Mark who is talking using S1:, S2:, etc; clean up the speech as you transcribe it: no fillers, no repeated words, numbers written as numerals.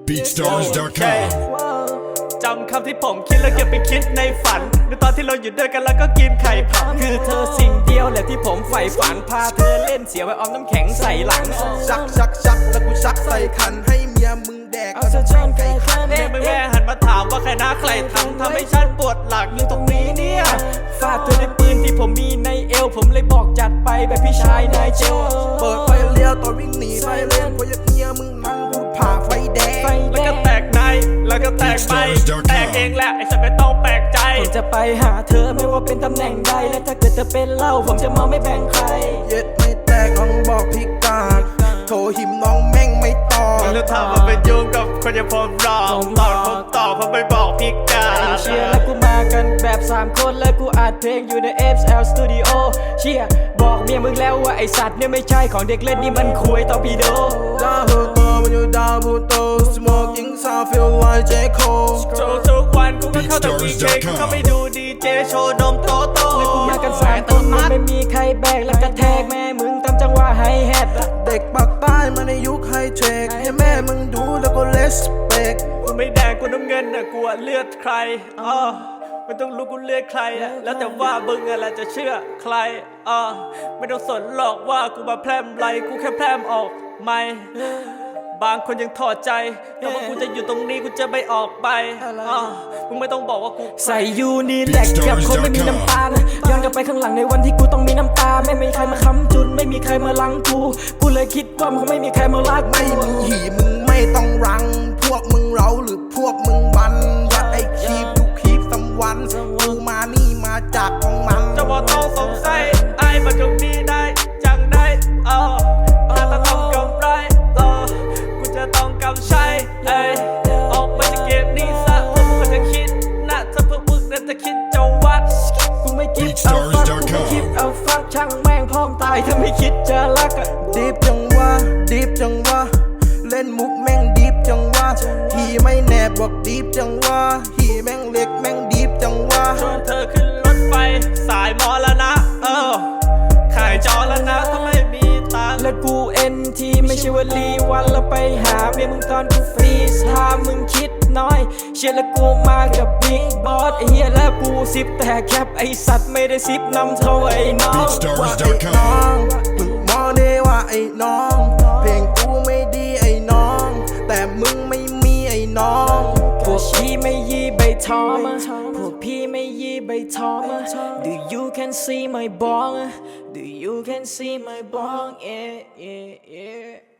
S1: BeatStars.com จำคำที่ผมคิดแล้วเก็บไปคิดในฝันในตอนที่เราอยู่ด้วยกันแล้วก็กินไข่ผัดคือเธอสิ่งเดียวแหละที่ผมใฝ่ฝันพาเธอเล่นเสียไว้ออมน้ำแข็งใส่หลัง
S2: ชักแล้วกูชักใส่ขันให้เมียมึงแดก
S1: เอาจะชนไก่ขันมึงแม่หันมาถามว่าใครนะใครทำให้ฉันปวดหลังอยู่ตรงนี้เนี่ยฟาดเธอด้วยปืนที่ผมมีในเอวผมเลยบอกจัดไปแบบพี่ชายนายเจล
S2: เปิดไฟเลี้ยวตอนวิ่งหนีไฟเล่นเพราะเมียมึงมันกูผ่าไฟแดง
S1: แล้วก็แตกในแล้วก็แตกไปแตกเองแหละไอ้สัตว์ไม่ต้องแปลกใจผมจะไปหาเธอไม่ว่าเป็นตำแหน่งใดและถ้าเกิดเธอเป็นเหล้าผมจะมองไม่แบ่งใคร
S2: เย็ดไม่แตกน้องบอกพิการโทรหิมน้องแม่งไม่ตอบ
S1: แล้วถามว่าไปยุ่งกับคนอย่างผมหรอผมตอบเพราะไม่บอกพิการเชียร์แล้วกูมากันแบบ3คนแล้วกูอัดเพลงอยู่ใน FL Studio เชียร์บอกเมียมึงแล้วว่าไอสัตว์เนี่ยไม่ใช่ของเด็กเล่นนี่มันคุยต่อพีโด
S2: ดาวพูโตมันอยู่ดาวพูโต Smoking sound feel like J Cole
S1: ทุกวันกูก็เข้าแต่วีเจกูเข้าไปดูดีเจโชว์นมโตแล้วกูมากัน3คนมันไม่มีใครแบกแล้วก็แทกแม่มึงตามจังหวะไฮแฮท
S2: เด็กปากใต้มาในยุคไฮเทคให้แม่มึงดูแล้วก็เลสเปก
S1: กูไม่แดงกูน้ำเงินน่ะกูเลือดใครไม่ต้องรู้กูเลือดใครแล้วแต่ว่ามึงอะไรจะเชื่อใครไม่ต้องสนหรอกว่ากูมาแพร่มไรกูแค่แพร่มออกไม่บางคนยังถอดใจแต่ว่ากูจะอยู่ตรงนี้กูจะไม่ออกไปมึงไม่ต้องบอกว่ากูใส่ยูนีแลกกับคนไม่มีน้ำตาย้อนกลับไปข้างหลังในวันที่กูต้องมีน้ำตาไม่มีใครมาค้ำจุนไม่มีใครมาลังกูเลยคิดว่ามันไม่มีใครมารัก
S2: ไม่มีหีมึงไม่ต้องรังพวกมึงเราหรือพวกมึงวันว่าไอ้คีบดูคีบสัมวันกูมานี่มาจากของมัน
S1: จะบอกต้องสงสัยไอ้มาตรงนี้ได้จังได้ถ้าต้องกำไรกูจะต้องกำใช้ออกมาจากเกมนี้ซะพวกมึงจะคิดนะถ้าพวกมึงนั้นจะคิดจะวัดกูไม่คิดเอาฟักกูไม่คิดเอาฟักช่างแม่งพร้อมตายถ้าไม่คิดจะรัก
S2: ดีฟจังวะดีฟจังวะเล่นมุกแม่งดีฟจังวะฮีไม่แนบบอกดีฟจังวะฮีแม่งเล็กแม่งดีฟจังวะ
S1: ชวนเธอขึ้นรถไฟสายมอแล้วนะขายจอแล้วนะถ้าไม่มีตังค์และกูNTไม่ใช่ว่าลีวันแล้วไปหาเมียมึงตอนกูฟรีถ้ามึงคิดน้อยเชื่อแล้วกูมากับบิ๊กบอสไอ้เหี้ยแล้วกูซิปแต่แคปไอสัตว์ไม่ได้ซิปนำเท่าไอ้น้อง
S2: ว่าไอ้น้องมึงมองได้ว่าไอ้น้องเพลงกูไม่ดีไอ้น้องแต่มึงไม่มีไอ้น้อง
S1: พวกพี่ไม่ยีใบทอมพวกพี่ไม่ยีใบทอม Do you can see my bong Do you can see my bong yeah